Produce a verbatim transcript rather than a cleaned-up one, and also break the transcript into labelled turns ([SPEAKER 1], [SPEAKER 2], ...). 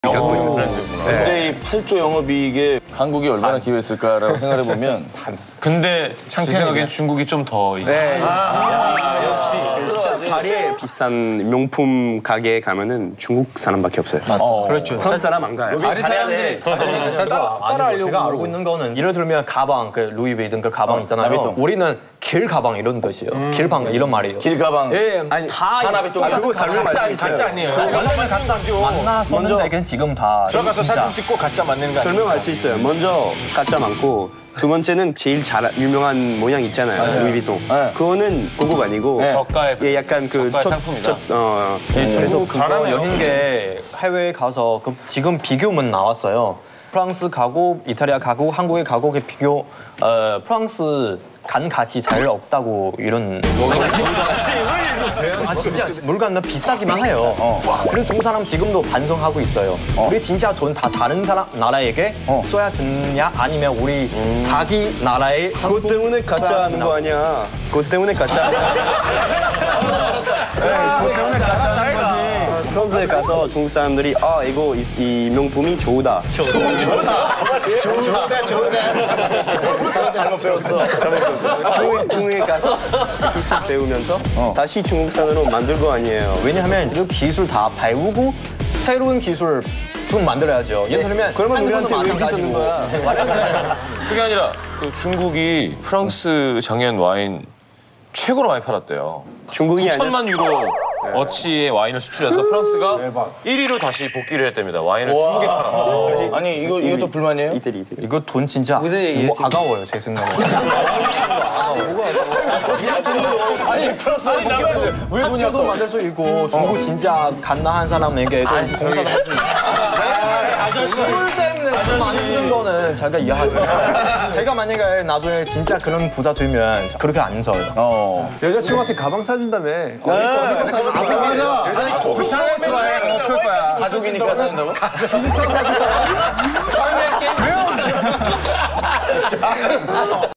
[SPEAKER 1] 갖고 있어요.
[SPEAKER 2] 근데 이 팔 조 영업이익에 한국이 얼마나 기여했을까라고 생각해 보면
[SPEAKER 3] 근데 제 생각엔 중국이 좀 더 이제.
[SPEAKER 1] 네.
[SPEAKER 4] 파리에 비싼 명품 가게에 가면은 중국 사람밖에 없어요.
[SPEAKER 1] 어. 그렇죠.
[SPEAKER 4] 프랑스 사람 안 가요.
[SPEAKER 3] 파리 사람들이
[SPEAKER 1] 따라하려고. 제가 알고 있는 거는 예를 들면 가방, 그 루이 ヴ이든 그 가방 있잖아요.
[SPEAKER 2] 나비똥.
[SPEAKER 1] 우리는 길 가방 이런 뜻이에요. 길방 이런 말이에요.
[SPEAKER 2] 길 가방.
[SPEAKER 1] 예,
[SPEAKER 4] 아니,
[SPEAKER 1] 다
[SPEAKER 2] 하나비똥.
[SPEAKER 4] 아, 그거 설명할 수 있어요.
[SPEAKER 5] 가짜 아니에요.
[SPEAKER 1] 완전 가짜죠. 만나서는 되게 지금 다
[SPEAKER 5] 들어가서
[SPEAKER 1] 진짜.
[SPEAKER 5] 사진 찍고 가짜 맞는 거 아니에요?
[SPEAKER 4] 설명할 수 있어요. 먼저 가짜 많고 두 번째는 제일 잘 유명한 모양 있잖아요. 루이비통.
[SPEAKER 2] 네.
[SPEAKER 4] 그거는 고급 아니고
[SPEAKER 3] 저가의
[SPEAKER 4] 예, 약간 그
[SPEAKER 3] 저가의
[SPEAKER 4] 첫-
[SPEAKER 3] 상품이다.
[SPEAKER 4] 첫- 어,
[SPEAKER 1] 예, 중국 그거
[SPEAKER 5] 잘하네요.
[SPEAKER 1] 여행계 해외에 가서 그 지금 비교문 나왔어요. 프랑스 가고 이탈리아 가고 한국에 가고 그 비교 어, 프랑스 간 가치 잘 없다고 이런 아 진짜 물건 비싸기만 해요. 그리고 중국 사람 지금도 반성하고 있어요. 우리 진짜 돈 다 다른 사람 나라에게 써야 되냐 아니면 우리 자기 나라의
[SPEAKER 4] 그것 때문에 가짜 하는 거 아니야. 그것 때문에 가짜 하는 거야. 네, 그것 때문에 가짜 하는 거지. 프랑스에 가서 중국 사람들이 아 이거 이, 이 명품이 좋다.
[SPEAKER 5] 좋은데 좋은데.
[SPEAKER 2] 잘못 배웠어.
[SPEAKER 4] 잘못 배웠어. 중국에, 중국에 가서 기술 배우면서 다시 중국산으로 만들 거 아니에요.
[SPEAKER 1] 왜냐하면 그 기술 다 배우고 새로운 기술 좀 만들어야죠. 예를 들면
[SPEAKER 4] 그러면 우리한테 왜
[SPEAKER 1] 한국은
[SPEAKER 4] 쓰는 거야?
[SPEAKER 3] 그게 아니라 그 중국이 프랑스 작년 와인 최고로 많이 팔았대요.
[SPEAKER 4] 중국이 아니라
[SPEAKER 3] 천만 유로 어치의 와인을 수출해서 프랑스가
[SPEAKER 5] 대박.
[SPEAKER 3] 일 위로 다시 복귀를 했답니다. 와인을 중국에 팔아서.
[SPEAKER 2] 아니 이거 이것도 불만이에요?
[SPEAKER 4] 이태리 이태리.
[SPEAKER 1] 이거 돈 진짜 너무 아까워요 제 생각에.
[SPEAKER 2] 아니 프랑스 아니 나왜 왜 돈이
[SPEAKER 1] 학교도 만들 수 있고 중국 진짜 갓나한 사람에게 또 봉사도 할 수 있고. 술 때문에 돈 많이 쓰는 거는 제가 이해하죠. 제가 만약에 나중에 진짜 그런 부자 되면 그렇게 안 써요.
[SPEAKER 2] 어.
[SPEAKER 5] 여자친구한테 가방 사준다며.
[SPEAKER 2] 아니 독상을 좋아해. 어떨 거야? 가족이니까 사준다고?
[SPEAKER 5] 중국산 사준 거야?